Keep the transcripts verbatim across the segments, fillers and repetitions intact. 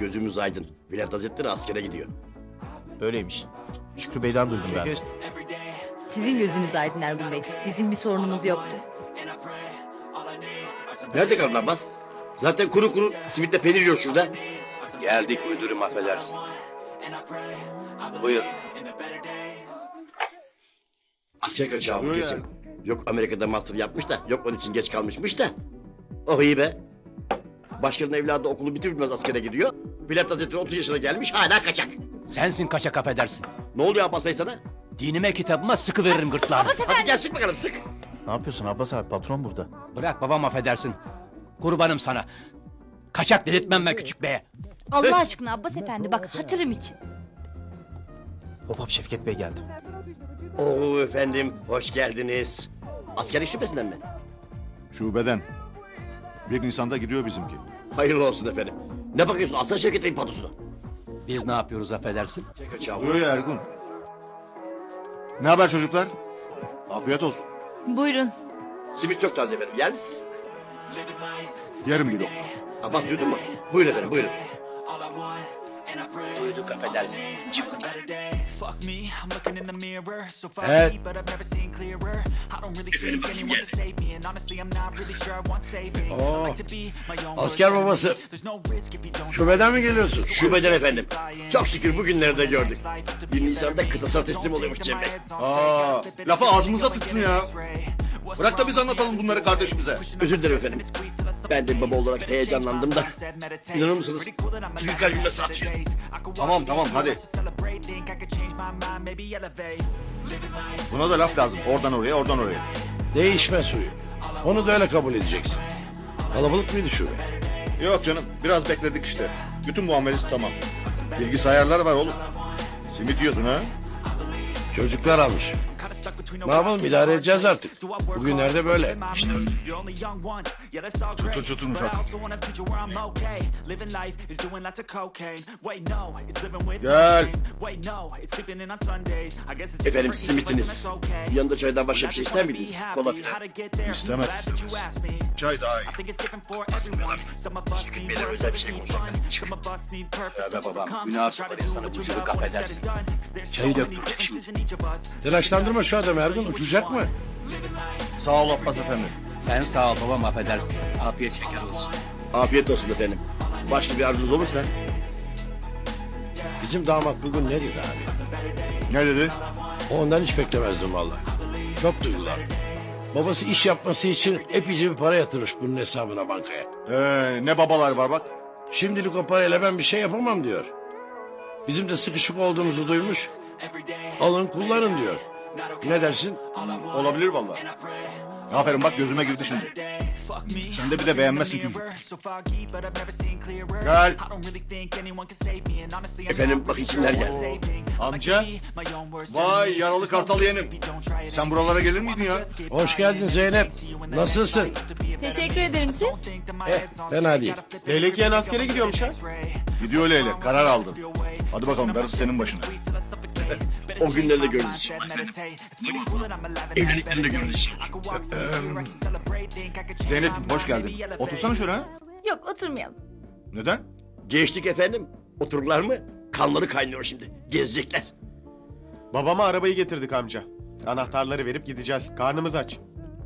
Gözümüz aydın. Bülent Hazretleri askere gidiyor. Öyleymiş. Şükrü Bey'den duydum ben. Sizin gözünüz aydın Ergun Bey. Bizim bir sorunumuz yoktu. Nerede kaldın Abbas? Zaten kuru kuru simitle peynir yiyor şurada. Geldik müdürüm, affedersin. Buyur. Asker kaçağı bu kesin. Yok Amerika'da master yapmış da, yok onun için geç kalmışmış da. Oh iyi be. Başkanın evladı okulu bitir bitmez askere gidiyor. Bülent Hazretleri otuz yaşına gelmiş, hala kaçak. Sensin kaçak, affedersin. Ne oluyor Abbas Bey sana? Dinime kitabıma sıkı veririm gırtlağını. Hadi gel sık bakalım, sık. Ne yapıyorsun Abbas abi? Patron burada. Bırak babam, affedersin. Kurbanım sana. Kaçak dedirtmem ben küçük beye. Allah aşkına Abbas Efendi bak hatırım için. Hop hop Şevket Bey geldi. Oo efendim, hoş geldiniz. Askerlik şubesinden mi? Şubeden. Bir Nisan'da gidiyor bizimki. Hayırlı olsun efendim. Ne bakıyorsun, Aslan Şevket Bey'in patosuna? Biz ne yapıyoruz, affedersin? Buyur ya Ergun. Ne haber çocuklar? Afiyet olsun. Buyurun. Simit çok taze efendim, yer misiniz? Yerim bir lokma. Abbas duydun mu? Buyurun efendim, buyurun. Duyduk, affedersin. Fuck me, I'm looking in the mirror, so far Evet. but I've never seen clearer. I don't really think anyone can save me, and honestly I'm not really sure I want saving. I like to be my own Asker worst babası. enemy. There's no risk if you don't Şubeden mi geliyorsun? Şubeden efendim. Çok şükür bugünlerde gördük. Bir Nisan'da kıtasına teslim oluyormuş Cem Bey. Aa, lafı ağzımıza tıktın ya. Bırak da biz anlatalım bunları kardeşimize. Özür dilerim efendim. Ben de baba olarak heyecanlandım da. İnanır mısınız? İki kalbimle satıyor. Tamam tamam hadi. Buna da laf lazım. Oradan oraya, oradan oraya. Değişme suyu. Onu da öyle kabul edeceksin. Kalabalık mıydı şube? Yok canım, biraz bekledik işte. Bütün muamelesi tamam. Bilgisayarlar var oğlum. Simit yiyorsun ha? Çocuklar almış. Ne yapalım, idare edeceğiz artık. Bugünlerde böyle. İşte Çatır çatırmış artık. Gel. Efendim simitiniz. Yanında çaydan başka bir şey ister miydiniz? Kola filan. İstemez, istemez. Çay daha iyi. Beyler özel bir şey konuşacaklar. Tövbe babam, günah sokarım sana bu çocuk, affedersin. Çayı döktürecek şimdi. telaşlandırma şu adamı Ergun, uçacak mı? Sağ ol Abbas efendi. Sen sağ ol babam, affedersin. Afiyet şeker olsun. Afiyet olsun efendim. Başka bir arzunuz olursa. Bizim damat bugün ne dedi abi? Ne dedi? Ondan hiç beklemezdim vallahi. Çok duygulandım. Babası iş yapması için epeyce bir para yatırmış bunun hesabına bankaya. Ee, ne babalar var bak. Şimdilik o parayla ben bir şey yapamam diyor. Bizim de sıkışık olduğumuzu duymuş. Alın kullanın diyor. Ne dersin? Olabilir vallahi. Aferin bak, gözüme girdi şimdi. Sen de bir de beğenmezsin çocuk. Gel. Efendim bakın kimler geldi. Amca. Vay yaralı kartal yeğenim. Sen buralara gelir miydin ya? Hoş geldin Zeynep. Nasılsın? Teşekkür ederim siz. Eh, fena değil. Leylek yeğen askere gidiyormuş ha. Gidiyor Leylek, karar aldım. Hadi bakalım, darısı senin başına. O günleri de görürüz. Evliliklerini de görürüz. Zeynep hoş geldin. Otursana şöyle ha. Yok oturmayalım. Neden? Geçtik efendim. Otururlar mı? Kanları kaynıyor şimdi. Gezecekler. Babama arabayı getirdik amca. Anahtarları verip gideceğiz. Karnımız aç.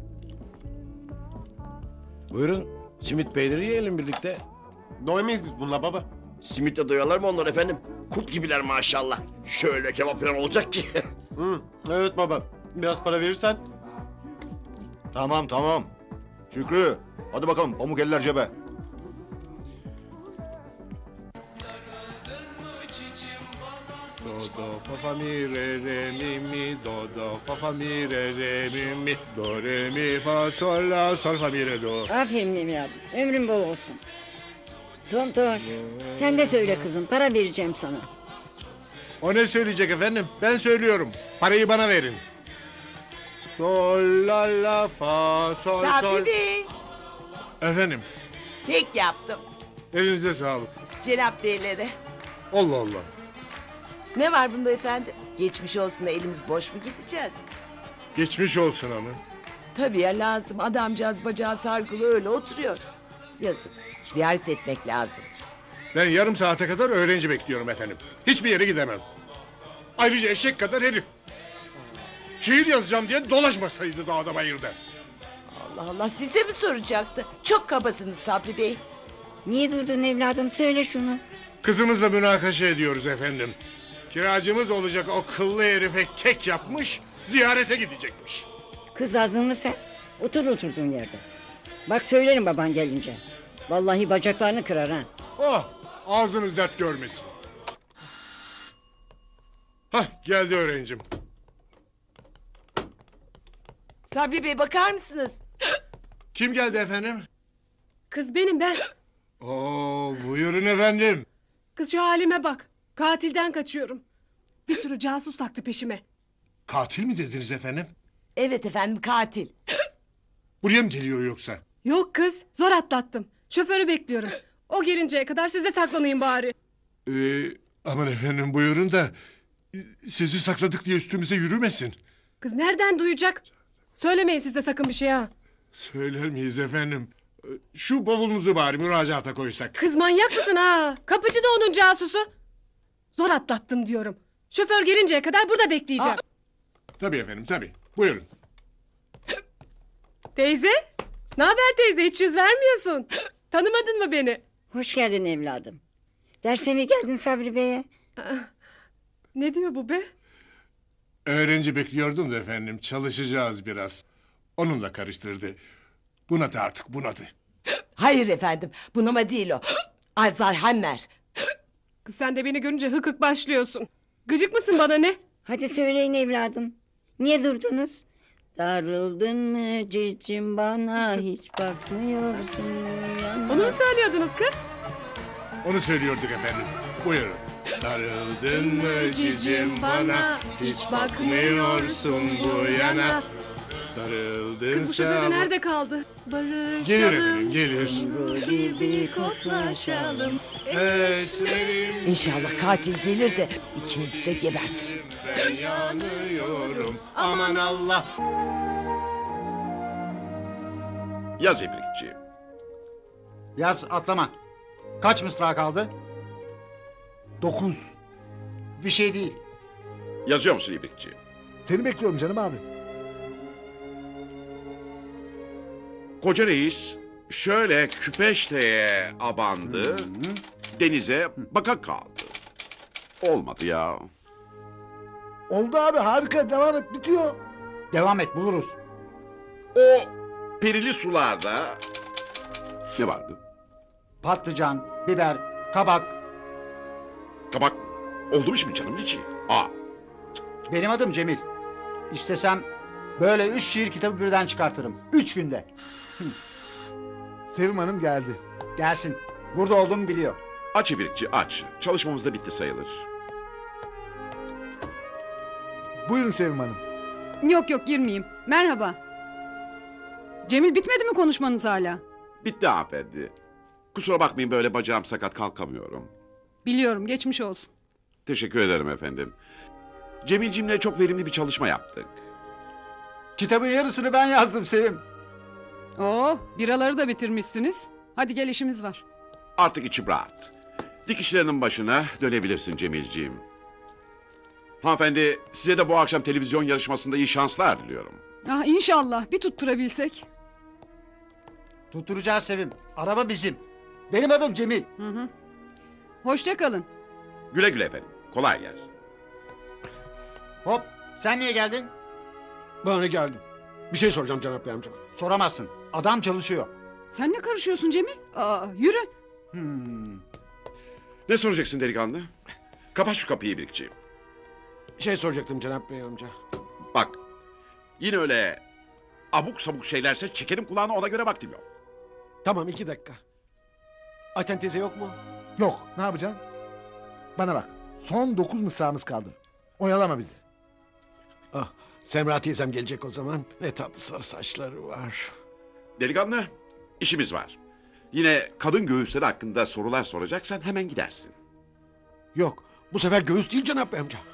Buyurun, simit peyniri yiyelim birlikte. Doymayız biz bununla baba. Simitle doyarlar mı onlar efendim? Kurt gibiler maşallah. Şöyle kebap falan olacak ki. Hı, evet baba. Biraz para verirsen. Tamam tamam. Şükrü, hadi bakalım pamuk eller cebe. Do do fa fa mi re re mi mi do do fa fa mi re re mi mi do re mi fa sol la sol fa mi re do. Aferin evladım. Ömrün bol olsun. Tontor, sen de söyle kızım. Para vereceğim sana. O ne söyleyecek efendim? Ben söylüyorum. Parayı bana verin. Sol la la fa sol sol. Sabri Bey, Efendim, kek yaptım. elinize sağlık. Cenap Beylere. Allah Allah. Ne var bunda efendim? Geçmiş olsun da elimiz boş mu gideceğiz? Geçmiş olsun ama. Tabii ya lazım. Adamcağız bacağı sargılı öyle oturuyor. Yazık. Ziyaret etmek lazım. Ben yarım saate kadar öğrenci bekliyorum efendim. Hiçbir yere gidemem. Ayrıca eşek kadar herif. Şiir yazacağım diye dolaşmasaydı dağda bayırda. Allah Allah size mi soracaktı? Çok kabasınız Sabri Bey. Niye durdun evladım, söyle şunu. Kızımızla münakaşa ediyoruz efendim. Kiracımız olacak o kıllı herife kek yapmış, ziyarete gidecekmiş. Kız azdın mı sen? Otur oturduğun yerde. Bak söylerim baban gelince. Vallahi bacaklarını kırar ha. Oh, ağzınız dert görmesin. Hah, geldi öğrencim. Sabri Bey bakar mısınız? Kim geldi efendim? Kız benim ben. Oo, buyurun efendim. Kız şu halime bak. Katilden kaçıyorum. Bir sürü casus taktı peşime. Katil mi dediniz efendim? Evet efendim katil. Buraya mı geliyor yoksa? Yok kız zor atlattım. Şoförü bekliyorum. O gelinceye kadar size saklanayım bari. Ee, aman efendim buyurun da... ...sizi sakladık diye üstümüze yürümesin. Kız nereden duyacak? Söylemeyin siz de sakın bir şey ha. Söyler miyiz efendim? Ee, Şu bavulunuzu bari müracaata koysak. Kız manyak mısın ha? Kapıcı da onun casusu. Zor atlattım diyorum. Şoför gelinceye kadar burada bekleyeceğim. Tabii efendim tabii. Buyurun. Teyze? Ne haber teyze, hiç yüz vermiyorsun. Tanımadın mı beni? Hoş geldin evladım. Derse mi geldin Sabri Bey'e? Ne diyor bu be? Öğrenci bekliyordum da efendim. Çalışacağız biraz. Onunla karıştırdı. Bunadı artık bunadı. Hayır efendim bunama değil o. Alzheimer. Kız sen de beni görünce hık hık başlıyorsun. Gıcık mısın bana ne? Hadi söyleyin evladım. Niye durdunuz? Darıldın mı cicim bana, hiç bakmıyorsun yana. Onu mu söylüyordunuz kız? Onu söylüyorduk efendim. Buyurun. Sarıldın mı cicim bana, hiç bakmıyorsun bu yana. Sarıldın Kız bu şoförü nerede kaldı? Barışalım. Gelir efendim gelir. Bu gibi koklaşalım. Esmerim İnşallah katil gelir de ikinizi de gebertir. ben yanıyorum. Aman Allah. Yaz İbrikçi. Yaz atlama. Kaç mısra kaldı? Dokuz. Bir şey değil. Yazıyor musun İbrikçi? Seni bekliyorum canım abi. Koca reis şöyle küpeşteye abandı, denize baka kaldı. Olmadı ya. Oldu abi, harika, devam et, bitiyor. Devam et buluruz. O perili sularda ne vardı? Patlıcan, biber, kabak. Kabak oldu mu şimdi canım içi? Aa, Benim adım Cemil. İstesem böyle üç şiir kitabı birden çıkartırım. Üç günde. Sevim Hanım geldi. Gelsin. Burada olduğumu biliyor. aç İbrikçi aç. Çalışmamız da bitti sayılır. Buyurun Sevim Hanım. Yok yok girmeyeyim. Merhaba. Cemil bitmedi mi konuşmanız hala? Bitti hanımefendi. Kusura bakmayın böyle bacağım sakat kalkamıyorum. Biliyorum geçmiş olsun. Teşekkür ederim efendim. Cemilcimle çok verimli bir çalışma yaptık. Kitabın yarısını ben yazdım Sevim. Oo biraları da bitirmişsiniz. Hadi gel işimiz var. Artık içim rahat. Dikişlerinin başına dönebilirsin Cemilciğim. Hanımefendi size de bu akşam televizyon yarışmasında iyi şanslar diliyorum. Ah inşallah bir tutturabilsek. Tutturacağız Sevim. Araba bizim. Benim adım Cemil. Hı hı. Hoşça kalın. Güle güle efendim. Kolay gelsin. Hop sen niye geldin? Ben de geldim. Bir şey soracağım Cenap Bey amca. Soramazsın. Adam çalışıyor. Sen ne karışıyorsun Cemil? Aa, yürü. Hmm. Ne soracaksın delikanlı? Kapat şu kapıyı İbrikçi. Şey soracaktım Cenap Bey amca. Bak. Yine öyle abuk sabuk şeylerse çekerim kulağına, ona göre vaktim yok. Tamam, iki dakika. Ayten teyze yok mu? Yok, ne yapacaksın? Bana bak, son dokuz mısramız kaldı. Oyalama bizi. Ah, Semra teyzem gelecek o zaman. Ne tatlı sarı saçları var. Delikanlı, işimiz var. Yine kadın göğüsleri hakkında sorular soracaksan hemen gidersin. Yok, bu sefer göğüs değil Cenap Bey amca.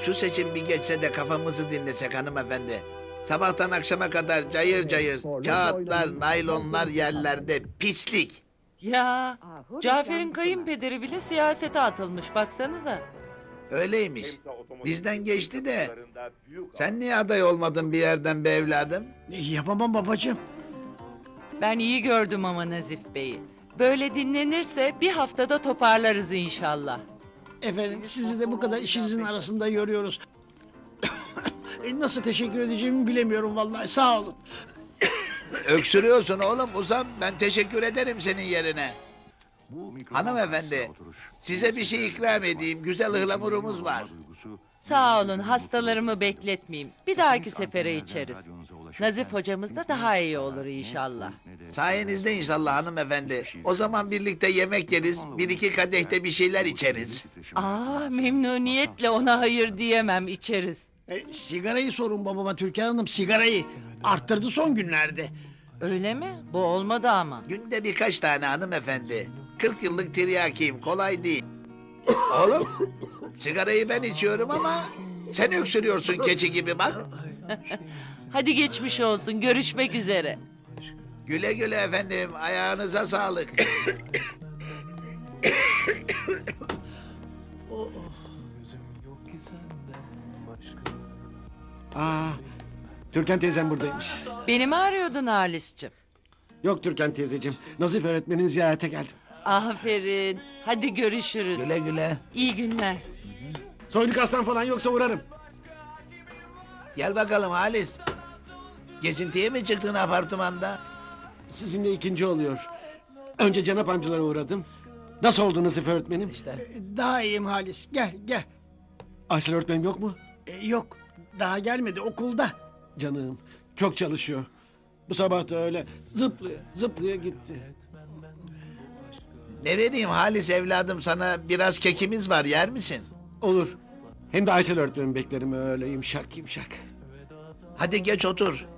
Şu seçim bir geçse de kafamızı dinlesek hanımefendi. Sabahtan akşama kadar cayır cayır kağıtlar, naylonlar yerlerde pislik. Ya Cafer'in kayınpederi bile siyasete atılmış baksanıza. Öyleymiş. Bizden geçti de. Sen niye aday olmadın bir yerden be evladım? Yapamam babacığım. Ben iyi gördüm ama Nazif Bey'i. Böyle dinlenirse bir haftada toparlarız inşallah. Efendim sizi de bu kadar işinizin arasında yoruyoruz. E, Nasıl teşekkür edeceğimi bilemiyorum vallahi sağ olun. Öksürüyorsun oğlum uzan, ben teşekkür ederim senin yerine. Hanımefendi, size bir şey ikram edeyim, güzel ıhlamurumuz var. Sağ olun hastalarımı bekletmeyeyim. Bir dahaki sefere içeriz. Nazif hocamız da daha iyi olur inşallah. Sayenizde inşallah hanımefendi. O zaman birlikte yemek yeriz, bir iki kadehte bir şeyler içeriz. Aa memnuniyetle ona hayır diyemem içeriz. E, sigarayı sorun babama Türkan Hanım sigarayı. Arttırdı son günlerde. Öyle mi? Bu olmadı ama. Günde birkaç tane hanımefendi. Kırk yıllık tiryakiyim, kolay değil. Oğlum, sigarayı ben içiyorum ama sen öksürüyorsun keçi gibi bak. Hadi geçmiş olsun görüşmek üzere. Güle güle efendim, ayağınıza sağlık. Aa, Türkan teyzem buradaymış. Beni mi arıyordun Halis'cim? Yok Türkan teyzeciğim. Nazif öğretmenin ziyarete geldim. Aferin. Hadi görüşürüz. Güle güle. İyi günler. Soyluk aslan falan yoksa uğrarım. Gel bakalım Halis. Gezintiye mi çıktın apartmanda? Sizinle ikinci oluyor. Önce Cenap amcalara uğradım. Nasıl oldu Nazif öğretmenim? İşte. Daha iyiyim Halis gel gel. Aysel öğretmenim yok mu? E, yok daha gelmedi okulda. Canım çok çalışıyor. Bu sabah da öyle zıplaya zıplaya gitti. Ne vereyim Halis evladım sana, biraz kekimiz var, yer misin? Olur. Hem de Aysel öğretmenimi beklerim öyle yumuşak yumuşak. Hadi geç otur.